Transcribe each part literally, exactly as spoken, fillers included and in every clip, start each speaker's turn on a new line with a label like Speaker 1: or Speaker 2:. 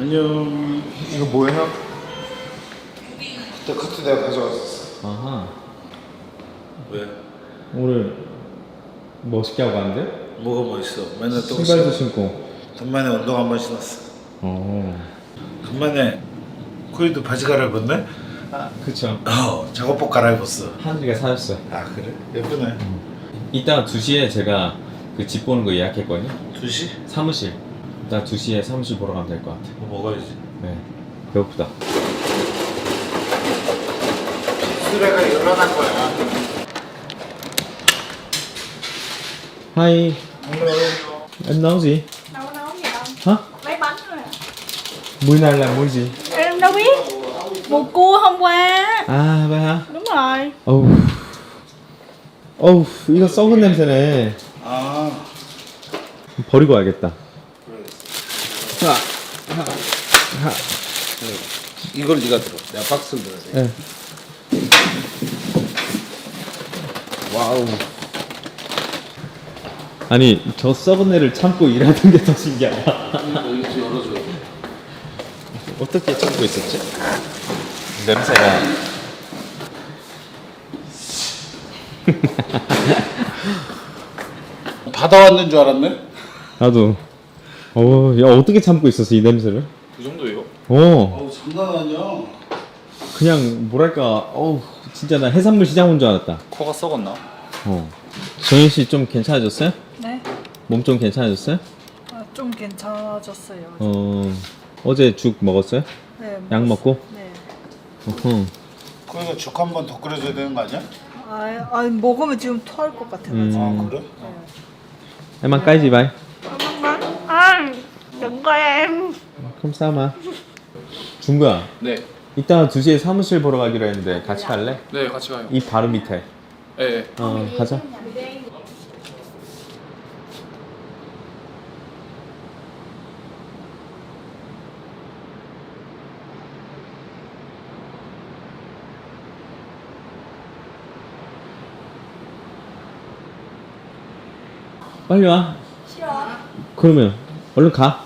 Speaker 1: 안녕.
Speaker 2: 이거 뭐예요?
Speaker 1: 그때 커트 내가 가져왔었어.
Speaker 2: 아하.
Speaker 1: 왜?
Speaker 2: 오늘 멋있게 하고 왔는데?
Speaker 1: 뭐가 멋있어? 맨날 또
Speaker 2: 신발도 신고.
Speaker 1: 간만에 운동 한 번 신었어.
Speaker 2: 어.
Speaker 1: 간만에 코이도 바지 갈아입었네?
Speaker 2: 아, 그쵸.
Speaker 1: 어, 작업복 갈아입었어.
Speaker 2: 하늘이가 사줬어요.
Speaker 1: 아 그래? 예쁘네.
Speaker 2: 음. 이따가 두 시에 제가 그 집 보는 거 예약했거든요.
Speaker 1: 두 시?
Speaker 2: 사무실. 이따 두 시에 사무실 보러 가면 될 것 같아.
Speaker 1: 뭐 먹어야지.
Speaker 2: 네. 배고프다.
Speaker 1: 수레가 일어난 거야.
Speaker 2: Hi, em nấu gì?
Speaker 3: Đâu có nấu gì đâu.
Speaker 2: Hả?
Speaker 3: Lấy bánh thôi à.
Speaker 2: Muối này là muối gì?
Speaker 3: Em đâu biết. Mùa cua hôm qua.
Speaker 2: 아, vậy hả?
Speaker 3: Đúng rồi.
Speaker 2: 어우. 어우, 이거 썩은 냄새네.
Speaker 1: 아.
Speaker 2: 버리고 와야겠다. 하, 하, 하.
Speaker 1: 이걸 네가 들어. 내가 박스를 들어야 돼.
Speaker 2: 네. 와우. 아니, 저 썩은 애를 참고 일하는 게 더 신기하다.
Speaker 1: 이거 좀 열어줘.
Speaker 2: 어떻게 참고 있었지? 냄새가.
Speaker 1: 받아왔는 줄 알았네.
Speaker 2: 나도. 어, 야, 어떻게 참고 있었어, 이 냄새를?
Speaker 1: 그 정도예요?
Speaker 2: 어,
Speaker 1: 어우 장난 아니야.
Speaker 2: 그냥, 뭐랄까, 어우, 진짜 나 해산물 시장 온 줄 알았다.
Speaker 1: 코가 썩었나?
Speaker 2: 어. 정현 씨 좀 괜찮아졌어요?
Speaker 3: 네.
Speaker 2: 몸 좀 괜찮아졌어요?
Speaker 3: 아, 좀 괜찮아졌어요.
Speaker 2: 어, 어제 죽 먹었어요?
Speaker 3: 네.
Speaker 2: 약 먹고?
Speaker 3: 네.
Speaker 2: 어허.
Speaker 1: 거기서 죽 한 번 더 끓여줘야 되는 거 아니야?
Speaker 3: 아, 아 먹으면 지금 토할 것 같아가지고.
Speaker 2: 음.
Speaker 1: 아 그래?
Speaker 2: Em ăn cái gì vậy?
Speaker 3: 아, đừng có em.
Speaker 2: Không sao mà. 준거야.
Speaker 4: 네,
Speaker 2: 이따 두 시에 사무실 보러 가기로 했는데 같이 갈래?
Speaker 4: 네 같이 가요.
Speaker 2: 이 바로 밑에.
Speaker 4: 네, 네.
Speaker 2: 어, 가자. 빨리 와.
Speaker 3: 싫어.
Speaker 2: 그러면 얼른 가.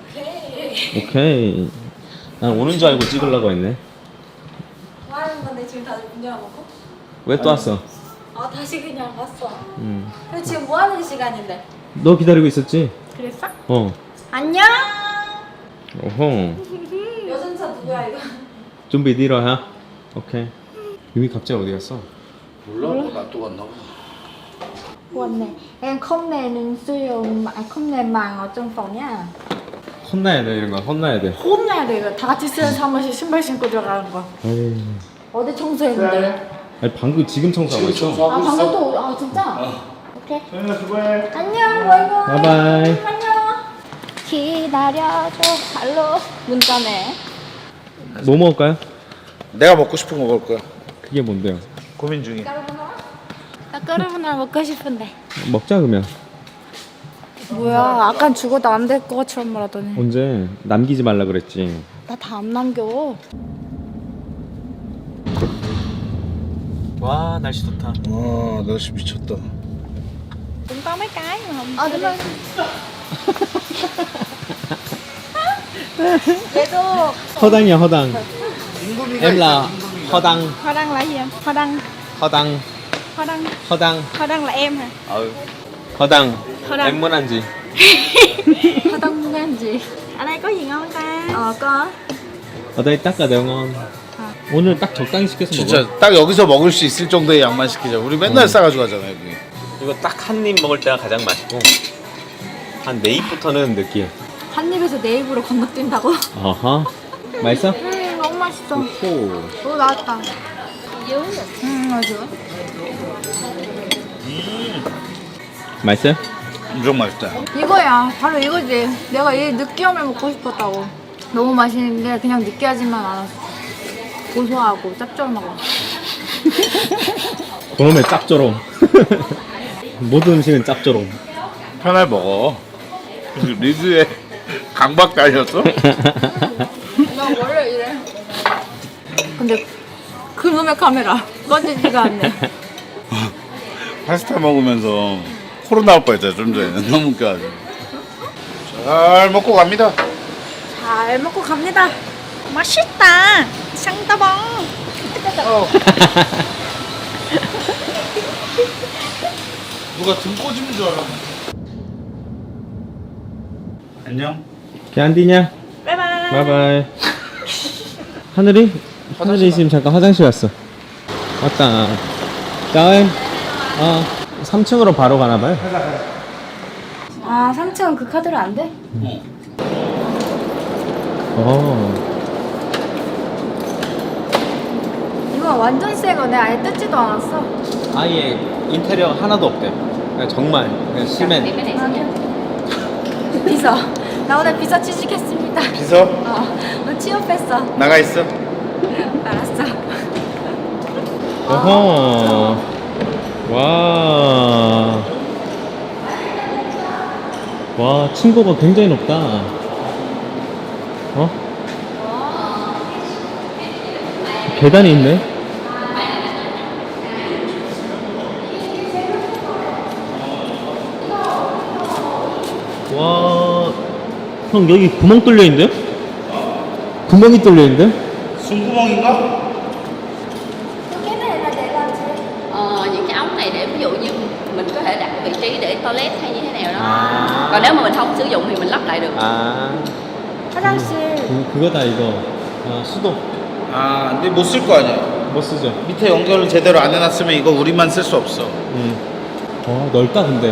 Speaker 2: 오케이. 난 오는 줄 알고 찍으려고 했네.
Speaker 3: 뭐 하는 건데 지금 다들 문 열어놓고?
Speaker 2: 왜 또 왔어?
Speaker 3: 아 다시 그냥 왔어.
Speaker 2: 음.
Speaker 3: 그래 지금 뭐 하는 시간인데?
Speaker 2: 너 기다리고 있었지?
Speaker 3: 그랬어?
Speaker 2: 어.
Speaker 3: 안녕.
Speaker 2: 어허.
Speaker 3: 여전사 누구야 이거?
Speaker 2: 준비 뒤로 해. 오케이. 유미 갑자기 어디 갔어?
Speaker 1: 몰라. 뭐 놔두고 왔나 봐.
Speaker 3: Quên nè, em không nè sử dụng mà không nè màng ở trong phòng nha.
Speaker 2: 혼나야 돼 이런 거 혼나야 돼.
Speaker 3: 혼내야 돼 이거. 다 같이 쓰는 사무실 신발 신고 들어가는 거.
Speaker 2: 에이.
Speaker 3: 어디 청소했는데?
Speaker 2: 아니 방금 지금 청소하고 있어.
Speaker 3: 아 방금 또, 아 진짜? 오케이.
Speaker 1: 소연아 수고해.
Speaker 3: 안녕, 바이바이.
Speaker 2: 바이바이.
Speaker 3: 안녕. 기다려줘. 할로. 문자네.
Speaker 2: 뭐 먹을까요?
Speaker 1: 내가 먹고 싶은 거 먹을 거야.
Speaker 2: 그게 뭔데요?
Speaker 1: 고민 중이야.
Speaker 3: 나 까르보나라 먹고 싶은데.
Speaker 2: 먹자 그러면.
Speaker 3: 뭐야? 아까 죽어도 안 될 것처럼 말하더니.
Speaker 2: 언제 남기지 말라 그랬지.
Speaker 3: 나 다 안 남겨.
Speaker 2: 와 날씨 좋다.
Speaker 1: 와 날씨 미쳤다.
Speaker 3: Cũng có mấy cái mà không. Ờ đúng rồi. Vậy tôi.
Speaker 2: 허당이야 허당. Em là 허당.
Speaker 3: Hoa đăng là gì em? Hoa đăng.
Speaker 2: 허당.
Speaker 3: Hoa đăng.
Speaker 2: 허당.
Speaker 3: Hoa đăng là em hả?
Speaker 2: Ừ. 허당.
Speaker 3: 허당.
Speaker 2: Em muốn ăn gì?
Speaker 3: Hoa đăng muốn ăn gì? Ở đây có gì ngon ta? Ờ có.
Speaker 2: ở đây tất cả đều ngon.
Speaker 3: 아.
Speaker 2: 오늘 딱 적당히 시켜서 먹어.
Speaker 1: 진짜 딱 여기서 먹을 수 있을 정도의 양만 시키자. 우리 맨날 싸가지고 가잖아 여기.
Speaker 2: 이거 딱 한 입 먹을 때가 가장 맛있고 한 네 입부터는 느끼해.
Speaker 3: 한 입에서 네 입으로 건너뛴다고?
Speaker 2: 어허. 맛있어?
Speaker 3: 음 너무 맛있어.
Speaker 2: 오.
Speaker 3: 오 나왔다. 음 맞아.
Speaker 2: 맛있어요?
Speaker 1: 엄청 맛있다.
Speaker 3: 이거야. 바로 이거지. 내가 이 느끼함을 먹고 싶었다고. 너무 맛있는데 그냥 느끼하지만 않았어. 고소하고 짭조름하고.
Speaker 2: 그러면 짭조름. 모든 음식은 짭조름.
Speaker 1: 편할 먹어. 리뷰에 강박도 아니었어?
Speaker 3: 나 원래 이래. 근데 그놈의 카메라 꺼지지가 않네.
Speaker 1: 파스타 먹으면서 코로나 올 뻔했잖아 좀 전에. 너무 웃겨가지고. 잘 먹고 갑니다.
Speaker 3: 잘 먹고 갑니다. 맛있다. 쌍따봉.
Speaker 1: 누가 등 꼬집는 줄 알았네. 안녕.
Speaker 4: 걔안디냐?
Speaker 3: 바이바이.
Speaker 4: 바이바이. 하늘이? 하늘이 지금 잠깐 화장실 갔어. 왔다. 다음. 어. 삼 층으로 바로 가나봐요.
Speaker 3: 아, 삼 층은 그 카드로 안 돼?
Speaker 4: 어.
Speaker 3: 이거 완전 새 거네. 아예 뜯지도 않았어.
Speaker 4: 아예 인테리어 하나도 없대. 그냥 정말 그냥 시멘.
Speaker 3: 비서. 나 오늘 비서 취직했습니다.
Speaker 1: 비서
Speaker 3: 어, 오늘 취업했어.
Speaker 1: 나가 있어.
Speaker 3: 알았어.
Speaker 4: 어허. 와. 와, 층고가 굉장히 높다. 어? 계단이 있네. 와, 형 여기 구멍 뚫려 있는데? 구멍이 뚫려 있는데?
Speaker 1: 숨구멍인가?
Speaker 5: Ờ, những cái ống này để ví dụ như mình có thể đặt vị trí để toilet hay như thế nào đó.
Speaker 4: 아.
Speaker 5: Còn nếu mà mình không sử dụng thì mình lắp lại được.
Speaker 4: 아,
Speaker 3: 화장실.
Speaker 4: 그, 그거다 이거. 아, 수도.
Speaker 1: 아, 근데 못 쓸 거 아니야.
Speaker 4: 못 쓰죠.
Speaker 1: 밑에 연결을 제대로 안 해놨으면 이거 우리만 쓸 수 없어.
Speaker 4: 음. 어, 넓다 근데.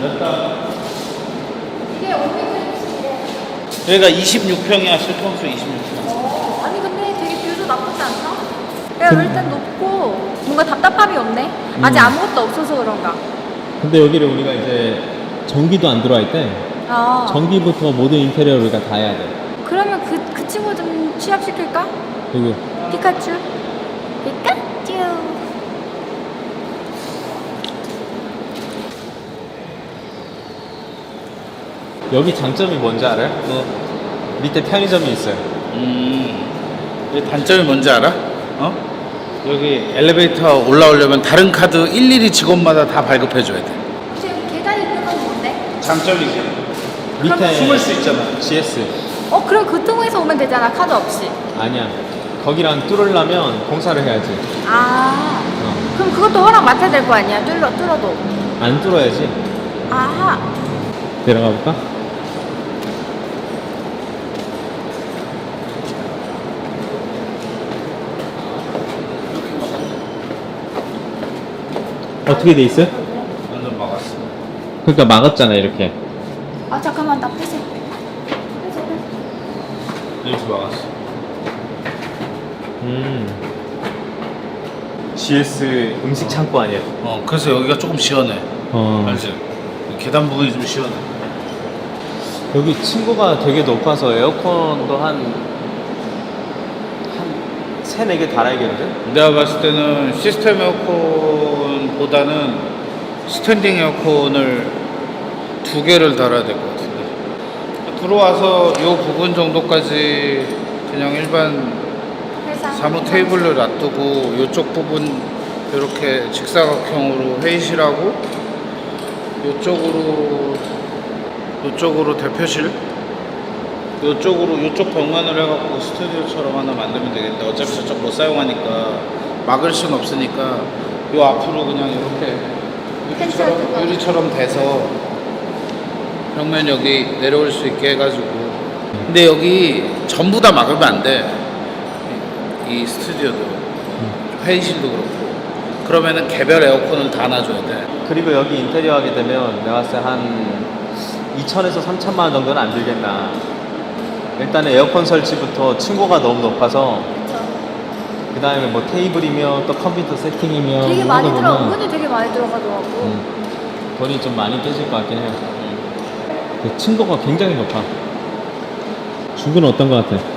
Speaker 3: 이게 오피스텔이래.
Speaker 1: 여기가 이십육 평이야. 실평수 이십육 평.
Speaker 3: 어, 아니 근데 되게 뷰도 나쁘지 않나? 야, 일단 높고 뭔가 답답함이 없네. 아직 아무것도 없어서 그런가.
Speaker 4: 근데 여기를 우리가 이제 전기도 안 들어와 있대.
Speaker 3: 아.
Speaker 4: 전기부터 모든 인테리어를 우리가 다 해야 돼.
Speaker 3: 그러면 그, 그 친구 좀 취업시킬까?
Speaker 4: 그리고
Speaker 3: 피카츄. 피카츄.
Speaker 4: 여기 장점이 뭔지 알아요?
Speaker 1: 뭐?
Speaker 4: 밑에 편의점이 있어요.
Speaker 1: 음. 여기 단점이 뭔지 알아? 어? 여기 엘리베이터 올라오려면 다른 카드 일일이 직원마다 다 발급해줘야 돼.
Speaker 3: 지금 계단이 있는 건 뭔데?
Speaker 1: 장점이지.
Speaker 4: 밑에
Speaker 1: 숨을 수 있잖아.
Speaker 4: 지에스.
Speaker 3: 어, 그럼 그 통에서 오면 되잖아, 카드 없이.
Speaker 4: 아니야. 거기랑 뚫으려면 공사를 해야지.
Speaker 3: 아.
Speaker 4: 어.
Speaker 3: 그럼 그것도 허락 맡아야 될 거 아니야, 뚫어, 뚫어도.
Speaker 4: 안 뚫어야지.
Speaker 3: 아하.
Speaker 4: 내려가 볼까? 어떻게 돼 있어요?
Speaker 1: 완전 막았어.
Speaker 4: 그러니까 막았잖아 이렇게.
Speaker 3: 아, 잠깐만, 나 폐쇄.
Speaker 1: 이렇게 막았어.
Speaker 4: 음. 지에스 음식 창고 아니야?
Speaker 1: 어, 그래서 여기가 조금 시원해.
Speaker 4: 어.
Speaker 1: 알지? 계단 부분이 좀 시원해.
Speaker 4: 여기 층고가 되게 높아서 에어컨도 한, 한 세네 개 달아야겠는데?
Speaker 1: 내가 봤을 때는 시스템 에어컨보다는 스탠딩 에어컨을 두 개를 달아야 될 것 같은데. 들어와서 이 부분 정도까지 그냥 일반
Speaker 3: 회사.
Speaker 1: 사무 테이블을 놔두고 이쪽 부분 이렇게 직사각형으로 회의실하고 이쪽으로 이쪽으로 대표실 이쪽으로 이쪽 벽면을 해갖고 스튜디오처럼 하나 만들면 되겠는데 어차피 저쪽 못 사용하니까 막을 순 없으니까 요 앞으로 그냥 이렇게 유리처럼, 유리처럼 돼서 벽면 여기 내려올 수 있게 해가지고 근데 여기 전부 다 막으면 안 돼. 이 스튜디오도 회의실도 그렇고 그러면은 개별 에어컨을 다 놔줘야 돼.
Speaker 4: 그리고 여기 인테리어 하게 되면 내가 봤을 때 한 이천에서 삼천만 원 정도는 안 들겠나. 일단은 에어컨 설치부터 층고가 너무 높아서 그 다음에 뭐 테이블이며 또 컴퓨터 세팅이며
Speaker 3: 되게
Speaker 4: 이런
Speaker 3: 많이
Speaker 4: 거
Speaker 3: 들어,
Speaker 4: 보면,
Speaker 3: 은근히 되게 많이 들어가더라고.
Speaker 4: 음, 돈이 좀 많이 깨질 것 같긴 해요. 그 층고가 굉장히 높아. 중구는 어떤 것 같아?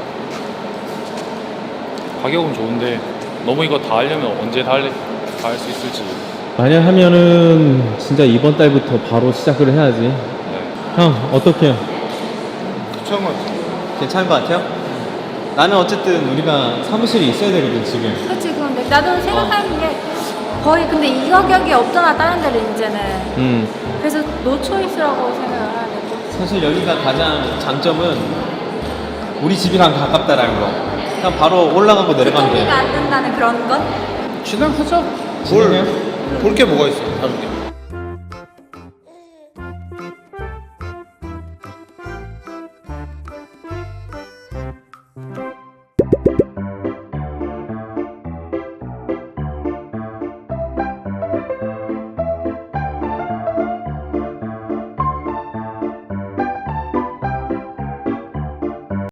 Speaker 6: 가격은 좋은데 너무 이거 다 하려면 언제 다 할 수 있을지.
Speaker 4: 만약 하면은 진짜 이번 달부터 바로 시작을 해야지.
Speaker 6: 네.
Speaker 4: 형 어떻게요?
Speaker 1: 괜찮은 것 같아.
Speaker 4: 괜찮은 것 같아요? 나는 어쨌든 우리가 사무실이 있어야 되거든 지금.
Speaker 3: 그치, 그런데 나도 생각하는 게 거의 근데 이 가격이 없잖아, 다른 데는 이제는.
Speaker 4: 음.
Speaker 3: 그래서 노 초이스라고 생각을 해야 되고.
Speaker 4: 사실 여기가 가장 장점은 우리 집이랑 가깝다라는 거. 그냥 바로 올라가고 내려가면 돼.
Speaker 3: 교통비가 안 든다는 그런 건?
Speaker 1: 진행하자.
Speaker 4: 진행해요?
Speaker 1: 볼 게 뭐가 있어 다른 게.